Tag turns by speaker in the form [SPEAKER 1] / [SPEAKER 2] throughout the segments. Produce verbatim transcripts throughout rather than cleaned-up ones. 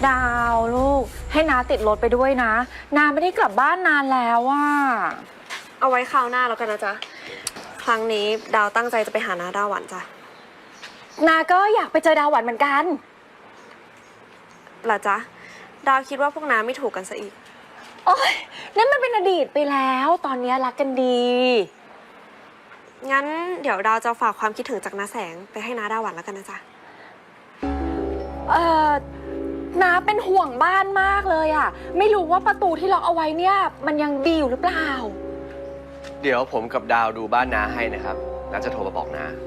[SPEAKER 1] ดาวลูกให้น้าติดรถไปด้วยนะน้าไม่ได้กลับบ้านนานแล้วว่า
[SPEAKER 2] เอาไว้คราวหน้าแล้วกันนะจ๊ะครั้งนี้ดาวตั้งใจจะไปหาน้าดาวหวันจ้ะ
[SPEAKER 1] น้าก็อยากไปเจอดาวหวันเหมือนกัน
[SPEAKER 2] เหรอจ๊ะดาวคิดว่าพวกน้าไม่ถูกกันซะอีก
[SPEAKER 1] โอ๊ยนั่นมันเป็นอดีตไปแล้วตอนนี้รักกันดี
[SPEAKER 2] งั้นเดี๋ยวดาวจะฝากความคิดถึงจากน้าแสงไปให้น้าดาวหวันแล้วกันนะจ๊ะ
[SPEAKER 1] เอ่อน้าเป็นห่วงบ้านมากเลยอ่ะไม่รู้ว่าประตูที่ล็อกเอาไว้เนี่ยมันยังดีอยู่หรือเปล่า
[SPEAKER 3] เดี๋ยวผมกับดาวดูบ้านน้าให้นะครับน้าจะโทรมาบอกน้า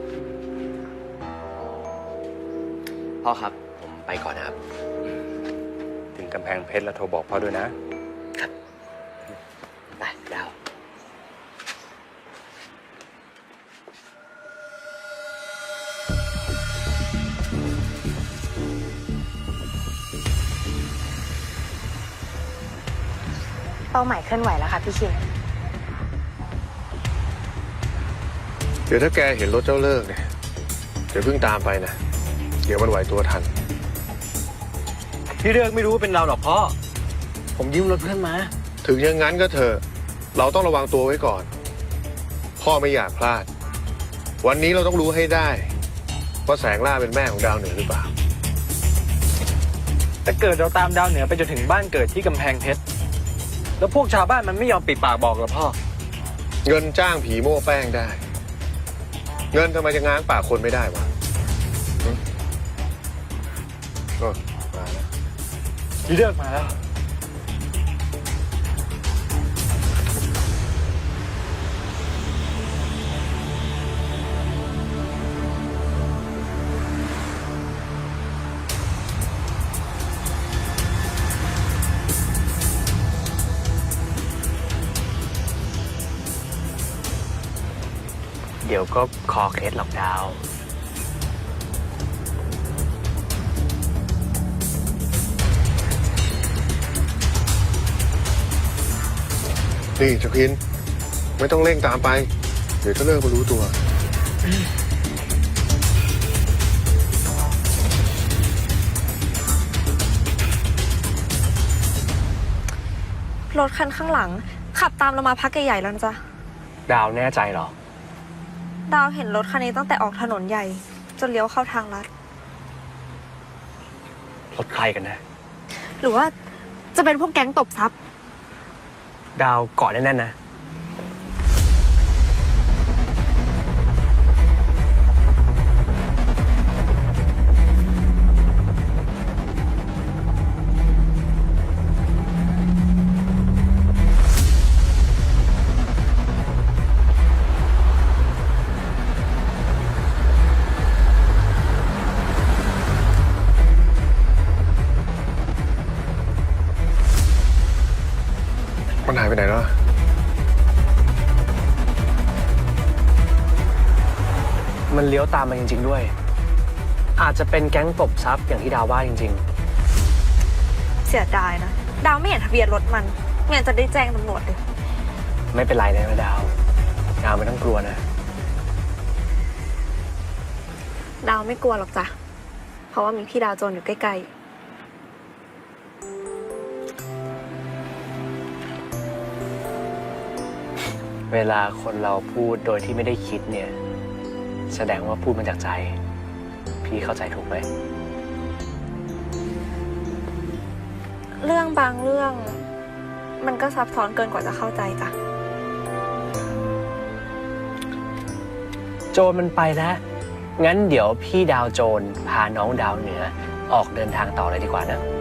[SPEAKER 3] พ่อครับผมไปก่อนนะครับ
[SPEAKER 4] ถึงกำแพงเพชรแล้วโทรบอกพ่อด้วยนะครับ
[SPEAKER 3] ไปดาว
[SPEAKER 1] เป้าหมายเคลื่อนไหวแล้วค่ะพี่ชิน
[SPEAKER 5] เดี๋ยวถ้าแกเห็นรถเจ้าเลิกเนี่ยเดี๋ยวเพิ่งตามไปนะเดี๋ยวมันไหวตัวทัน
[SPEAKER 4] พี่เลิกไม่รู้ว่าเป็นเราหรอกพ่อผมยืมรถเพื่อนมา
[SPEAKER 5] ถึงอย่างนั้นก็เถอะเราต้องระวังตัวไว้ก่อนพ่อไม่อยากพลาดวันนี้เราต้องรู้ให้ได้ว่าแสงล่าเป็นแม่ของดาวเหนือหรือเปล่า
[SPEAKER 4] แต่เกิดเราตามดาวเหนือไปจนถึงบ้านเกิดที่กำแพงเพชรแล้วพวกชาวบ้านมันไม่ยอมปิดปากบอกหรอพ่อ
[SPEAKER 5] เงินจ้างผีโม้แป้งได้เงินทำไมจะง้างปากคนไม่ได้วะก็มาแล้ว
[SPEAKER 4] พี่เลิกมาแล้ว
[SPEAKER 3] เดี๋ยวก็คอเคล็ดหรอกดาว
[SPEAKER 5] นี่เจ้าพินไม่ต้องเร่งตามไปเดี๋ยวเจ้าเลิกมารู้ตัว
[SPEAKER 2] รถคันข้างหลังขับตามเรามาพักใหญ่ๆแล้วนะจ๊ะ
[SPEAKER 3] ดาวแน่ใจเหรอ
[SPEAKER 2] ดาวเห็นรถคันนี้ตั้งแต่ออกถนนใหญ่จนเลี้ยวเข้าทางลัด
[SPEAKER 3] รถใครกันนะ
[SPEAKER 2] หรือว่าจะเป็นพวกแก๊งตบทรัพย์
[SPEAKER 3] ดาวเกาะแน่นๆนะ
[SPEAKER 5] มันหายไปไหนแล้ว
[SPEAKER 3] มันเลี้ยวตามมาจริงๆด้วยอาจจะเป็นแก๊งตบทรัพย์อย่างที่ดาวว่าจริง
[SPEAKER 2] ๆเสียดายนะดาวไม่เห็นทะเบียนรถมันไม่งั้นจะได้แจ้งตำรวจเลย
[SPEAKER 3] ไม่เป็นไรนะดาวดาวไม่ต้องกลัวนะ
[SPEAKER 2] ดาวไม่กลัวหรอกจ้ะเพราะว่ามีพี่ดาวโจรอยู่ใกล้ๆ
[SPEAKER 3] เวลาคนเราพูดโดยที่ไม่ได้คิดเนี่ยแสดงว่าพูดมาจากใจพี่เข้าใจถูกไหม
[SPEAKER 2] เรื่องบางเรื่องมันก็ซับซ้อนเกินกว่าจะเข้าใจจ้ะ
[SPEAKER 3] โจรมันไปแล้วงั้นเดี๋ยวพี่ดาวโจรพาน้องดาวเหนือออกเดินทางต่อเลยดีกว่านะ